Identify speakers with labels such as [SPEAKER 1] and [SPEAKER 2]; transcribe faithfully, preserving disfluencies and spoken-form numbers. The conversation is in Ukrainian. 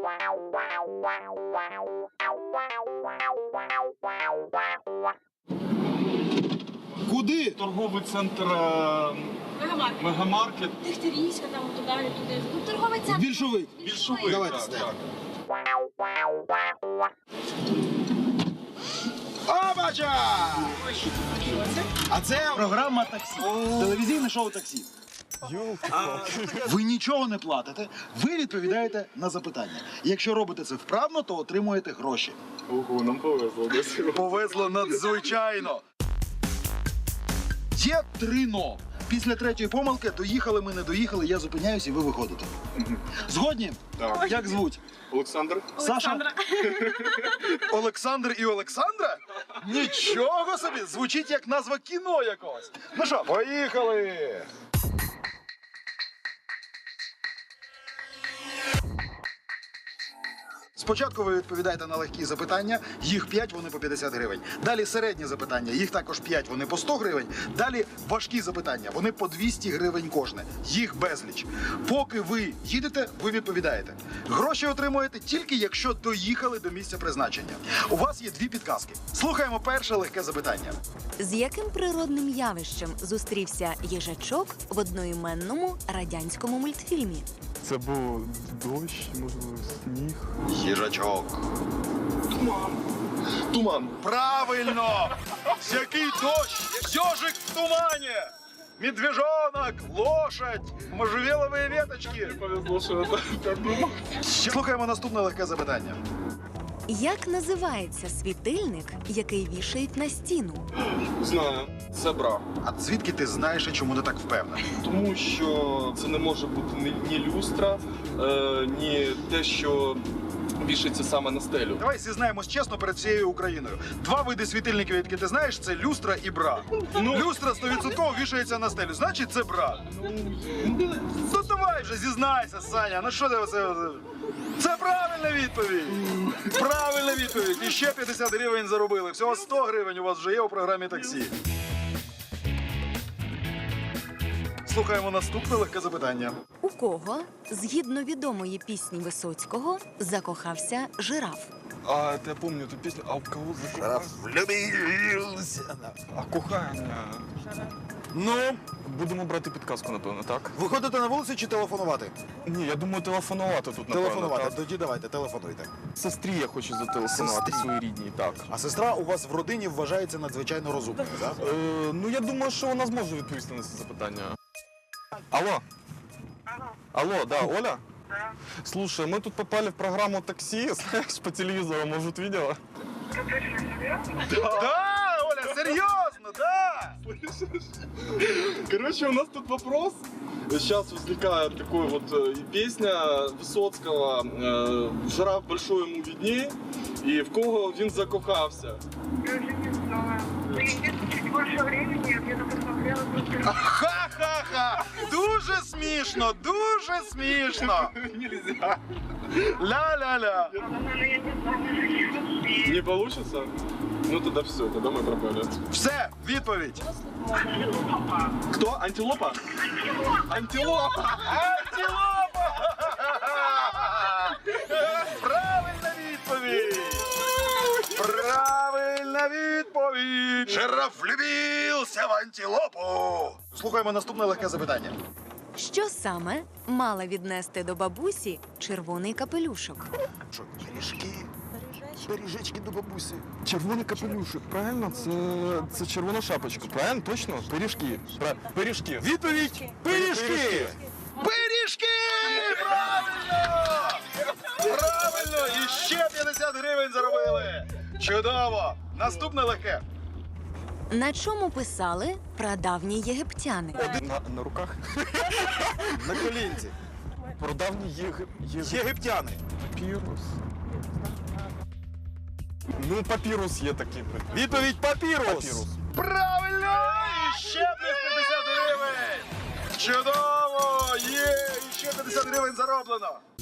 [SPEAKER 1] Куди?
[SPEAKER 2] Торговий центр е,
[SPEAKER 3] Мегамаркет.
[SPEAKER 2] Мегамаркет.
[SPEAKER 3] Дегтярівська, там туди, туди. Ну, торговий центр.
[SPEAKER 1] Більшовик.
[SPEAKER 2] Більшовик.
[SPEAKER 1] Давайте
[SPEAKER 2] так,
[SPEAKER 1] сюди.
[SPEAKER 2] так.
[SPEAKER 1] Обача! А це програма «Таксі». Телевізійне шоу «Таксі». Ви нічого не платите, ви відповідаєте на запитання. Якщо робите це вправно, то отримуєте гроші.
[SPEAKER 2] Ого, нам повезло до цього.
[SPEAKER 1] Повезло надзвичайно. Є три «но». Після третьої помилки доїхали ми, не доїхали, я зупиняюсь і ви виходите. Згодні?
[SPEAKER 2] Так.
[SPEAKER 1] Як звуть?
[SPEAKER 2] Олександр.
[SPEAKER 1] Саша? Олександр і Олександра? Нічого собі! Звучить як назва кіно якогось. Ну що, поїхали! Спочатку ви відповідаєте на легкі запитання, їх п'ять, вони по п'ятдесят гривень. Далі середні запитання, їх також п'ять, вони по сто гривень. Далі важкі запитання, вони по двісті гривень кожне, їх безліч. Поки ви їдете, ви відповідаєте. Гроші отримуєте тільки якщо доїхали до місця призначення. У вас є дві підказки. Слухаємо перше легке запитання.
[SPEAKER 4] З яким природним явищем зустрівся їжачок в одноіменному радянському мультфільмі?
[SPEAKER 2] Це був дощ, можливо, сніг.
[SPEAKER 1] Їжачок.
[SPEAKER 2] Туман. Туман.
[SPEAKER 1] Правильно! Який дощ! Ёжик в тумані! Медвежонок, лошадь, можжевеловые веточки.
[SPEAKER 2] Повезло, що я так думав.
[SPEAKER 1] Слухаємо наступне легке запитання.
[SPEAKER 4] Як називається світильник, який вішають на стіну?
[SPEAKER 2] Знаю. Це бра.
[SPEAKER 1] А звідки ти знаєш і чому ти так впевнений?
[SPEAKER 2] Тому що це не може бути ні, ні люстра, е, ні те, що вішається саме на стелю.
[SPEAKER 1] Давай зізнаємось чесно перед всією Україною. Два види світильників, які ти знаєш, це люстра і бра.
[SPEAKER 2] Ну.
[SPEAKER 1] Люстра сто відсотків вішається на стелю, значить це бра. Ну давай вже зізнайся, Саня, ну що ти оце... Це правильна відповідь! Правильна відповідь! І ще п'ятдесят гривень заробили. Всього сто гривень у вас вже є у програмі «Таксі». Слухаємо наступне легке запитання.
[SPEAKER 4] У кого, згідно відомої пісні Висоцького, закохався жираф?
[SPEAKER 2] А, это я помню эту песню. А у кого закохався?
[SPEAKER 1] Влюбився.
[SPEAKER 2] А кохання.
[SPEAKER 1] Ну,
[SPEAKER 2] Будемо брати підказку, напевно, так?
[SPEAKER 1] виходите на вулицю чи телефонувати?
[SPEAKER 2] Ні, я думаю, телефонувати тут, напевно.
[SPEAKER 1] Телефонувати.
[SPEAKER 2] Так.
[SPEAKER 1] Тоді давайте, телефонуйте.
[SPEAKER 2] Сестрі я хочу зателефонувати,
[SPEAKER 1] Сестрі?
[SPEAKER 2] своїй рідній, так.
[SPEAKER 1] А сестра у вас в родині вважається надзвичайно розумною, так?
[SPEAKER 2] Е, ну, я думаю, що вона зможе відповісти на це запитання. Алло? Алло, да, Оля?
[SPEAKER 5] Да.
[SPEAKER 2] Слушай, мы тут попали в программу «Такси», знаешь, по телевизору, может, видела?
[SPEAKER 5] Ты точно серьезно?
[SPEAKER 1] Да, Оля, серйозно, да!
[SPEAKER 2] Короче, у нас тут вопрос. Сейчас возникает такой вот э, песня Высоцкого э, «Жираф большой ему видней», и в кого він закохався.
[SPEAKER 5] Я уже не знаю. Ну, если чуть больше времени, я где-то посмотрела просто...
[SPEAKER 1] Ха-ха-ха! Дуже смішно, дуже смішно!
[SPEAKER 2] Нельзя.
[SPEAKER 1] Ля-ля-ля!
[SPEAKER 5] Ну, я не знаю,
[SPEAKER 2] Не получится? Ну тогда все, тогда мы пропали.
[SPEAKER 1] Все, відповідь!
[SPEAKER 2] Кто? Антилопа? Антилопа!
[SPEAKER 1] Антилопа! Правильна відповідь! Правильна відповідь! Жираф влюбився в антилопу! Слухаємо наступне легке запитання.
[SPEAKER 4] Що саме мала віднести до бабусі червоний капелюшок?
[SPEAKER 1] Що, пиріжки? Пиріжечки до бабусі.
[SPEAKER 2] Червоний капелюшок, правильно? Це, це червона шапочка, правильно? Точно? Пиріжки. Пра... Пиріжки.
[SPEAKER 1] Відповідь! Пиріжки! Пиріжки! Правильно! Правильно! І ще п'ятдесят гривень заробили! Чудово! Наступне легке.
[SPEAKER 4] На чому писали прадавні єгиптяни?
[SPEAKER 2] На, на руках?
[SPEAKER 1] На колінці.
[SPEAKER 2] Продавні єг... єг...
[SPEAKER 1] Єгиптяни.
[SPEAKER 2] Папірус. Ну, папірус є такий.
[SPEAKER 1] Відповідь папірус.
[SPEAKER 2] Папірус.
[SPEAKER 1] Правильно! І ще плюс п'ятдесят гривень! Чудово! Є! І ще п'ятдесят гривень зароблено!